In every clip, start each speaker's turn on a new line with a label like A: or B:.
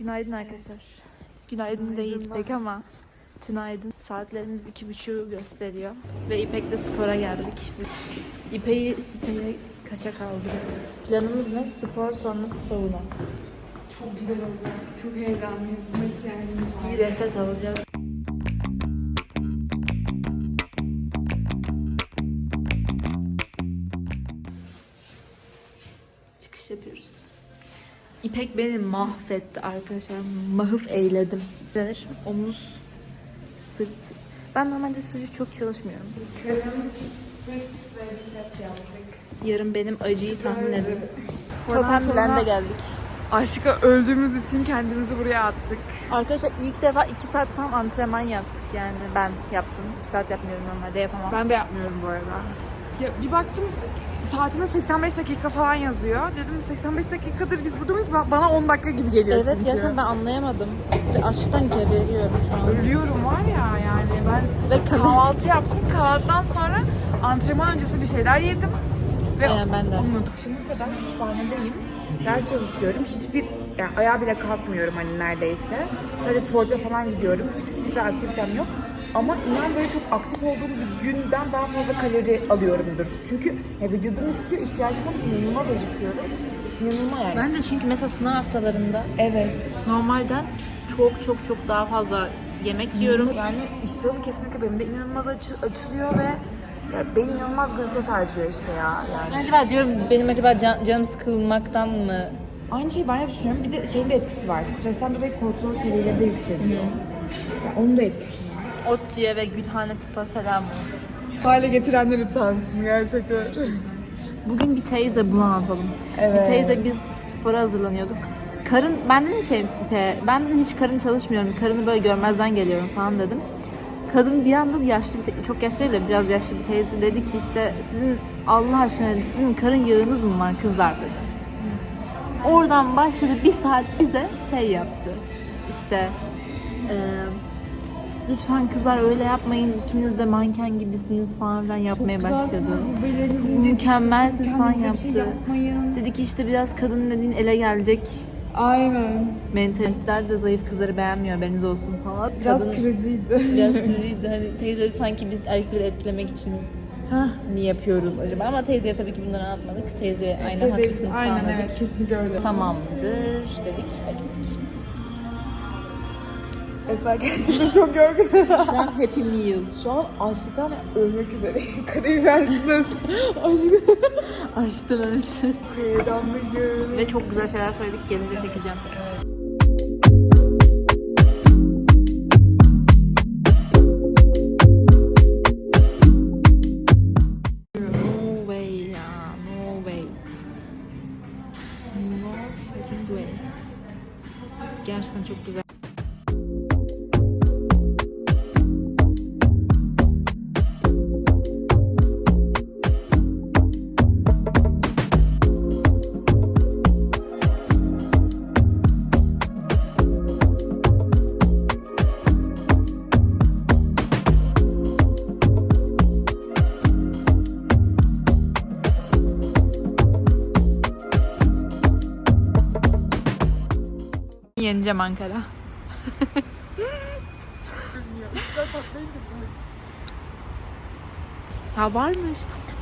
A: Günaydın arkadaşlar. Günaydın değil pek ama tünaydın. Saatlerimiz 2.30'u gösteriyor. Ve İpek'le spora geldik. İpek'i siteye kaça kaldırdık. Planımız ne? Spor sonrası sauna.
B: Çok güzel olacak. Çok heyecanlıyız. Buna ihtiyacımız var.
A: Bir reset alacağız. Çıkış yapıyoruz. İpek beni mahvetti arkadaşlar. Mahıf eyledim. Denir. Omuz, sırt. Ben normalde sucu çok çalışmıyorum.
B: Karın, sırt ve biceps yaptık.
A: Yarın benim acıyı tahmin edin.
B: Spordan sonra
A: Topenblen'de geldik.
B: aşka öldüğümüz için kendimizi buraya attık.
A: Arkadaşlar ilk defa 2 saat falan antrenman yaptık yani. Ben yaptım. 2 saat yapmıyorum normalde, yapamam.
B: Ben de yapmıyorum bu arada. Ya bir baktım saatime 85 dakika falan yazıyor. Dedim 85 dakikadır biz burada mıyız? Bana 10 dakika gibi geliyor
A: Evet,
B: çünkü.
A: gerçekten ben anlayamadım. Ve açlıktan geberiyorum şu an.
B: Ölüyorum var ya yani ben
A: Ve
B: kahvaltı yaptım. Kahvaltıdan sonra antrenman öncesi bir şeyler yedim. Ve
A: Aynen, ben de.
B: unuttuk. Şimdi kadar kütüphanedeyim. Ders çalışıyorum. Hiçbir yani ayağa bile kalkmıyorum hani neredeyse. Sadece tuvalete falan gidiyorum. Hiçbir fiziksel aktivitem yok. Ama inan böyle çok aktif olduğum bir günden daha fazla kalori alıyorumdur. Çünkü vücudum istiyor, ihtiyacım var. İnanılmaz acıkıyorum. İnanılmaz yani.
A: Ben de çünkü mesela sınav haftalarında
B: Evet.
A: normalden çok daha fazla yemek yiyorum.
B: Yani iştahım kesinlikle benim de inanılmaz açılıyor ve ya beyin inanılmaz glukoz harcıyor işte ya. Yani.
A: Acaba diyorum benim acaba canım sıkılmaktan mı?
B: Aynı şeyi ben de düşünüyorum. Bir de şeyin de etkisi var. Stresten dolayı kortizol seviyeleri de yükseliyor. Yani onun da etkisi var.
A: ODTÜ'ye ve Gülhane Tıp'a selam olsun.
B: Hale getirenler utansın gerçekten.
A: Bugün bir teyze bunu anlatalım.
B: Evet.
A: Bir teyze biz spora hazırlanıyorduk. Karın, ben dedim ki ben dedim hiç karın çalışmıyorum. Karını böyle görmezden geliyorum falan dedim. Kadın bir anda yaşlı çok yaşlı değil de biraz yaşlı bir teyze dedi ki işte sizin Allah aşkına dedi, sizin karın yağınız mı var kızlar dedi. Oradan başladı bir saat bize şey yaptı. İşte lütfen kızlar öyle yapmayın, ikiniz de manken gibisiniz falan filan yapmaya başladı. Mükemmelsiniz falan yaptı.
B: Şey yapmayın.
A: Dedi ki işte biraz kadın dediğin ele gelecek.
B: Aynen.
A: Mentaliteler de zayıf kızları beğenmiyor, haberiniz olsun falan.
B: Biraz
A: Kadın
B: kırıcıydı.
A: biraz kırıcıydı. Hani teyze sanki biz erkekleri etkilemek için mi yapıyoruz acaba? Ama teyzeye tabii ki bunları anlatmadık. Teyzeye aynen haklısınız falan
B: Aynen
A: dedik.
B: evet kesinlikle öyle.
A: Tamamdır dedik ve gittik.
B: Esra gerçekten çok yorgun.
A: Şu an Happy Meal.
B: Şu an açlıktan ölmek üzereyim. Karabiber arasında
A: Açtım ölçüsü.
B: heyecanlıyım.
A: Ve çok güzel şeyler söyledik. Gelince çekeceğim. No way ya. No way. No fucking way. Gerçekten çok güzel. Yeneceğim Ankara.
B: Işıklar patlayınca
A: Ha varmış.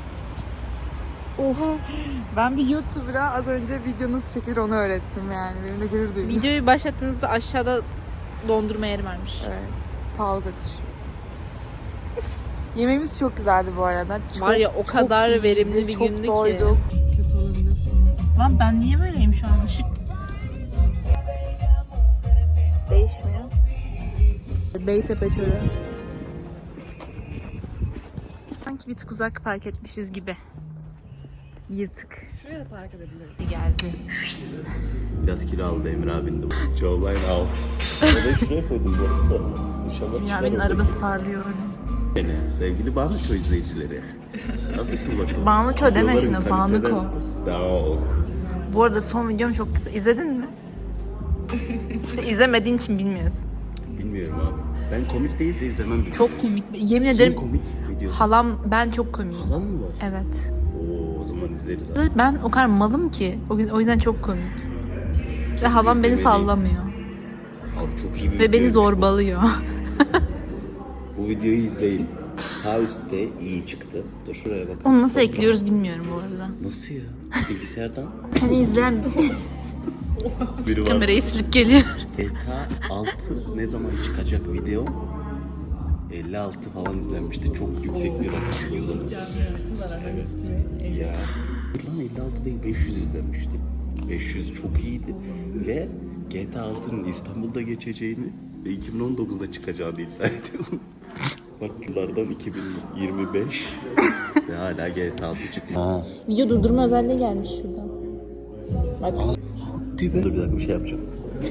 B: oha. Ben bir YouTuber'a az önce video nasıl çekilir onu öğrettim yani. Benim de gurur duydum.
A: Videoyu başlattığınızda aşağıda dondurma yeri varmış.
B: Evet. Pauza tuşu. Yemeğimiz çok güzeldi bu arada. Çok,
A: Var ya o kadar
B: iyiydi,
A: verimli bir
B: çok
A: gündü
B: doyduk.
A: ki. Kötü olabilir. Lan ben niye böyleyim şu an? Işık değişmiyor. Beytepe Çölü. Sanki bir tık uzak park etmişiz gibi. Bir tık.
B: Şuraya da park edebiliriz.
A: Geldi.
C: Biraz kilo aldı Emre abin de. Jawline out. Orayı şuraya koydum bu arada. İnşallah
A: Ya
C: çıkar
A: benim
C: orada.
A: arabası parlıyor.
C: Beni, sevgili Bağlıço izleyicileri. Nasılsın bakalım?
A: Bağlıço deme
C: Videoların
A: şunu, Bağlıko.
C: kaliteden Daha
A: Bu arada son videom çok güzel. İzledin mi? İşte izlemediğin için bilmiyorsun.
C: Bilmiyorum abi. Ben komik değilse izlemem. bile.
A: Çok komik. Yemin
C: Kim
A: ederim
C: komik videosu?
A: halam ben çok komiyim.
C: Halan mı var?
A: Evet.
C: Oo, o zaman izleriz abi.
A: Ben o kadar malım ki. O yüzden çok komik. Ve halam beni
C: izlemeliyim.
A: sallamıyor.
C: çok iyi bir
A: Ve beni
C: videoymuş bu.
A: zorbalıyor.
C: Bu videoyu izleyin. Sağ üstte iyi çıktı. Dur şuraya bakın.
A: Onu nasıl ekliyoruz bilmiyorum bu arada.
C: Nasıl ya? Bilgisayardan.
A: Seni izleyen
C: Biri var.
A: kamerayı silip geliyor.
C: GTA 6 ne zaman çıkacak video? 56 falan izlenmişti. Çok yüksek bir rakam o zaman. Ya. Lan 56 değil 500 izlenmişti. 500 çok iyiydi. Ve GTA 6'nın İstanbul'da geçeceğini ve 2019'da çıkacağını iddia ediyorum. Bak yıllardan 2025 ve hala GTA 6 çıkmıyor.
A: Video durdurma özelliği gelmiş şuradan. Bak.
C: Dur bir dakika bir şey yapacağım.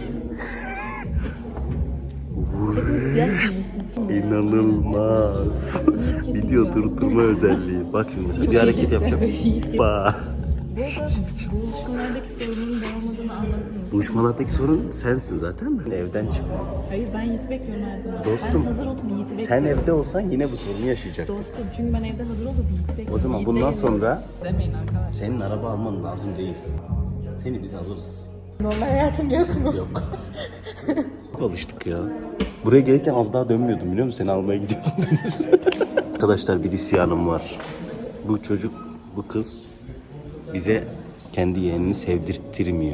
C: İnanılmaz. Video durdurma özelliği. Bak şimdi mesela bir hareket yapacağım. Ba.
A: Buluşmalardaki sorunun ben olmadığını anladın mı?
C: Buluşmalardaki sorun sensin zaten. Ben evden çıkmam.
A: Hayır ben Yiğit'i bekliyorum her zaman.
C: Dostum,
A: Ben hazır olup Yiğit'i bekliyorum.
C: Sen evde olsan yine bu sorunu yaşayacaksın.
A: Dostum çünkü ben evde hazır olup Yiğit'i bekliyorum.
C: O zaman
A: Yiğit'le
C: bundan
A: geliyoruz.
C: sonra
A: Demeyin arkadaşlar.
C: senin araba alman lazım değil. Seni biz alırız.
A: Normal hayatım yok mu?
C: Yok. Çok alıştık ya. Buraya gelirken az daha dönmüyordum biliyor musun? Seni almaya gidiyordum. Arkadaşlar bir isyanım var. Bu çocuk, bu kız bize kendi yeğenini sevdirttirmiyor.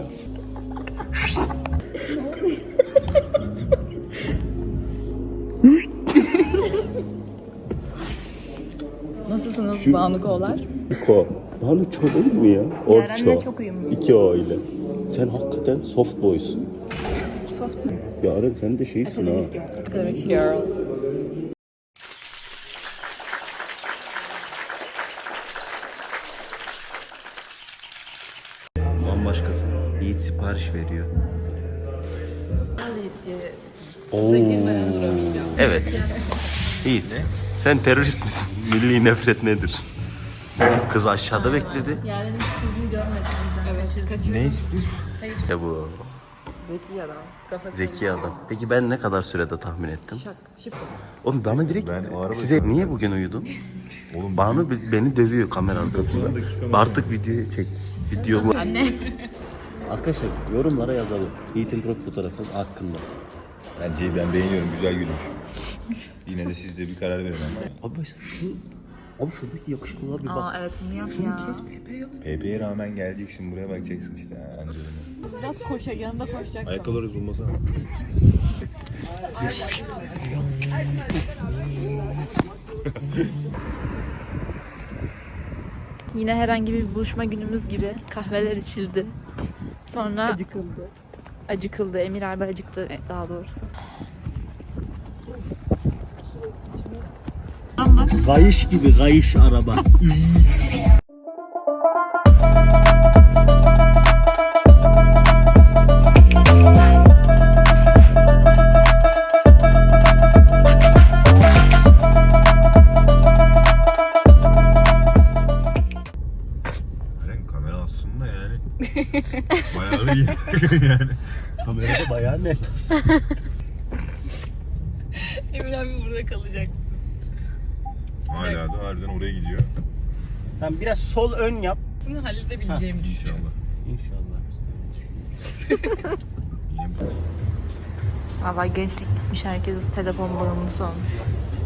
A: Nasılsınız Banukoğlar?
C: Ko. Bana çok değil mi ya?
A: Yaren'le çok uyumlu.
C: 2 O ile. Sen hakikaten soft boysun.
A: Soft mu?
C: Yaren sen de şeysin ha.
A: Academic girl.
C: Bambaşkasın. Yiğit sipariş veriyor. Evet. Yiğit. Sen terörist misin? Milli nefret nedir? Kız aşağıda bekledi.
A: Yaren'in kızını görmedim. Evet.
C: Ne sürpriz? Ya bu.
B: Zeki adam. Kafası.
C: Zeki adam. Peki ben ne kadar sürede tahmin ettim?
B: Şıp.
C: Oğlum bana direkt
D: Ben o araba-
C: size niye bugün uyudun?
D: Oğlum
C: Banu beni dövüyor kamera arkasında. Artık videoyu çek. Videomu.
A: Anne.
C: Arkadaşlar yorumlara yazalım. Yiğit'in profil fotoğrafı hakkında.
D: bence ben beğeniyorum, güzel gülmüş. Yine de siz de bir karar verin.
C: Abi mesela abi şuradaki yakışıklığa bir bak.
A: Aa evet bunu yap
C: Şunu
A: ya.
C: kes PP yap.
D: PP'ye rağmen geleceksin, buraya bakacaksın işte Angelina.
A: Biraz koşa yanında koşacaksın.
D: Ayakkabıları zulmasana.
A: Yine herhangi bir buluşma günümüz gibi kahveler içildi. Sonra acıkıldı. Emir abi acıktı daha doğrusu.
C: Kayış gibi kayış araba.
D: Eren kamera aslında yani. Bayağı iyi yani.
C: Kamerada bayağı net.
A: Emir abi burada kalacak.
D: Hala da harbiden oraya gidiyor.
C: Tamam biraz sol ön yap.
A: Bunu halledebileceğimi düşünüyorum.
D: İnşallah.
C: İnşallah.
D: Yine bu.
A: Valla gençlik gitmiş, herkes telefon bağımlısı olmuş.